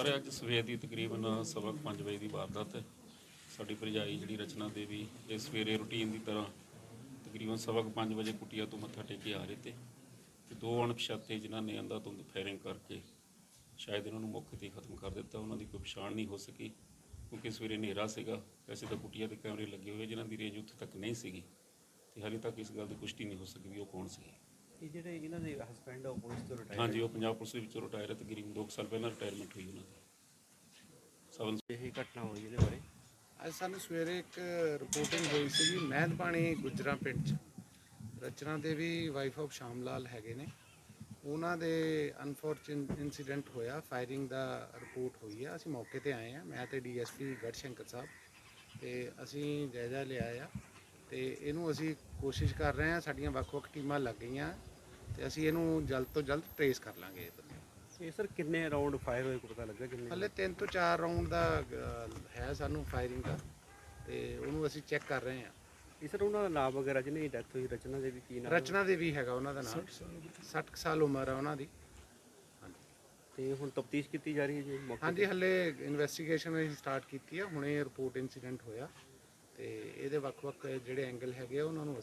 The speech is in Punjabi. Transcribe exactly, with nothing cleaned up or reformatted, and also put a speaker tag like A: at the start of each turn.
A: ਸਰ ਅੱਜ ਸਵੇਰ ਦੀ ਤਕਰੀਬਨ ਸਵਾ ਕੁ ਪੰਜ ਵਜੇ ਦੀ ਵਾਰਦਾਤ ਹੈ। ਸਾਡੀ ਭਰਜਾਈ ਜਿਹੜੀ ਰਚਨਾ ਦੇਵੀ ਇਹ ਸਵੇਰੇ ਰੂਟੀਨ ਦੀ ਤਰ੍ਹਾਂ ਤਕਰੀਬਨ ਸਵਾ ਕੁ ਪੰਜ ਵਜੇ ਕੁਟੀਆ ਤੋਂ ਮੱਥਾ ਟੇਕ ਕੇ ਆ ਰਹੇ ਤੇ ਤੇ ਦੋ ਅਣਪਛਾਤੇ ਜਿਨ੍ਹਾਂ ਨੇ ਅੰਧਾਧੁੰਦ ਫਾਇਰਿੰਗ ਕਰਕੇ ਸ਼ਾਇਦ ਇਹਨਾਂ ਨੂੰ ਮੌਕੇ 'ਤੇ ਹੀ ਖਤਮ ਕਰ ਦਿੱਤਾ। ਉਹਨਾਂ ਦੀ ਕੋਈ ਪਛਾਣ ਨਹੀਂ ਹੋ ਸਕੀ ਕਿਉਂਕਿ ਸਵੇਰੇ ਹਨੇਰਾ ਸੀਗਾ। ਵੈਸੇ ਤਾਂ ਕੁਟੀਆ ਦੇ ਕੈਮਰੇ ਲੱਗੇ ਹੋਏ ਜਿਨ੍ਹਾਂ ਦੀ ਰੇਂਜ ਉੱਥੇ ਤੱਕ ਨਹੀਂ ਸੀਗੀ ਤੇ ਹਾਲੇ ਤੱਕ ਇਸ ਗੱਲ ਦੀ ਪੁਸ਼ਟੀ ਨਹੀਂ ਹੋ ਸਕੀ ਵੀ ਉਹ ਕੌਣ ਸੀ।
B: ਇਹ ਜਿਹੜੇ ਇਹਨਾਂ ਦੇ ਹਸਬੈਂਡ ਆ ਪੁਲਿਸ ਤੋਂ ਰਿਟਾਇਰ
A: ਹਾਂਜੀ, ਉਹ ਪੰਜਾਬ ਪੁਲਿਸ ਦੇ ਵਿੱਚੋਂ ਰਿਟਾਇਰ ਹੈ। ਤਕਰੀਬਨ ਦੋ ਕੁ ਸਾਲ ਪਹਿਲਾਂ ਰਿਟਾਇਰਮੈਂਟ ਹੋਈ ਉਹਨਾਂ ਦੀ। ਸਬ
B: ਇਹ ਘਟਨਾ ਹੋਈ ਇਹਦੇ ਬਾਰੇ
C: ਅੱਜ ਸਾਨੂੰ ਸਵੇਰੇ ਇੱਕ ਰਿਪੋਰਟਿੰਗ ਹੋਈ ਸੀ ਮਹਿੰਦ ਪਾਣੀ ਗੁਜਰਾ ਪਿੰਡ 'ਚ ਰਚਨਾ ਦੇਵੀ ਵਾਈਫ ਆਫ ਸ਼ਾਮ ਲਾਲ ਹੈਗੇ ਨੇ। ਉਹਨਾਂ ਦੇ ਅਨਫੋਰਚੂਨੇਟ ਇਨਸੀਡੈਂਟ ਹੋਇਆ, ਫਾਇਰਿੰਗ ਦਾ ਰਿਪੋਰਟ ਹੋਈ ਆ। ਅਸੀਂ ਮੌਕੇ ਤੇ ਆਏ ਆ, ਮੈਂ ਤੇ ਡੀਐਸਪੀ ਗੜਸ਼ੰਕਰ ਸਾਹਿਬ, ਤੇ ਅਸੀਂ ਜਾਇਜ਼ਾ ਲਿਆ ਆ ਤੇ ਇਹਨੂੰ ਅਸੀਂ ਕੋਸ਼ਿਸ਼ ਕਰ ਰਹੇ ਆ। ਸਾਡੀਆਂ ਵੱਖ-ਵੱਖ ਟੀਮਾਂ ਲੱਗ ਗਈਆਂ ਤੇ ਅਸੀਂ ਇਹਨੂੰ ਜਲਦ ਤੋਂ ਜਲਦ ਟ੍ਰੇਸ ਕਰ ਲਾਂਗੇ।
B: ਇਹ ਸਰ ਕਿੰਨੇ ਰਾਉਂਡ ਫਾਇਰ ਹੋਏ ਪਤਾ ਲੱਗਾ ਕਿੰਨੇ?
C: ਹਲੇ ਤਿੰਨ ਤੋਂ ਚਾਰ ਰਾਉਂਡ ਦਾ ਹੈ ਸਾਨੂੰ ਫਾਇਰਿੰਗ ਦਾ, ਤੇ ਉਹਨੂੰ ਅਸੀਂ ਚੈੱਕ ਕਰ ਰਹੇ ਆ।
B: ਇਹ ਸਰ ਉਹਨਾਂ ਦਾ ਨਾਮ ਵਗੈਰਾ ਜਿਹਨੇ ਡੈਥ ਹੋਈ ਰਚਨਾ ਦੇਵੀ ਕੀ ਨਾਮ?
C: ਰਚਨਾ ਦੇਵੀ ਹੈਗਾ ਉਹਨਾਂ ਦਾ ਨਾਮ। ਸੱਠ ਕੁ ਸਾਲ ਉਮਰ ਆ ਉਹਨਾਂ ਦੀ।
B: ਤੇ ਹੁਣ ਤਫਤੀਸ਼ ਕੀਤੀ ਜਾ ਰਹੀ ਹੈ ਜੀ ਮੌਕੇ
C: ਹਾਂਜੀ, ਹਲੇ ਇਨਵੈਸਟੀਗੇਸ਼ਨ ਅਸੀਂ ਸਟਾਰਟ ਕੀਤੀ ਆ। ਹੁਣੇ ਰਿਪੋਰਟ ਇਨਸੀਡੈਂਟ ਹੋਇਆ ਤੇ ਇਹਦੇ ਵੱਖ-ਵੱਖ ਜਿਹੜੇ ਐਂਗਲ ਹੈਗੇ ਆ ਉਹਨਾਂ ਨੂੰ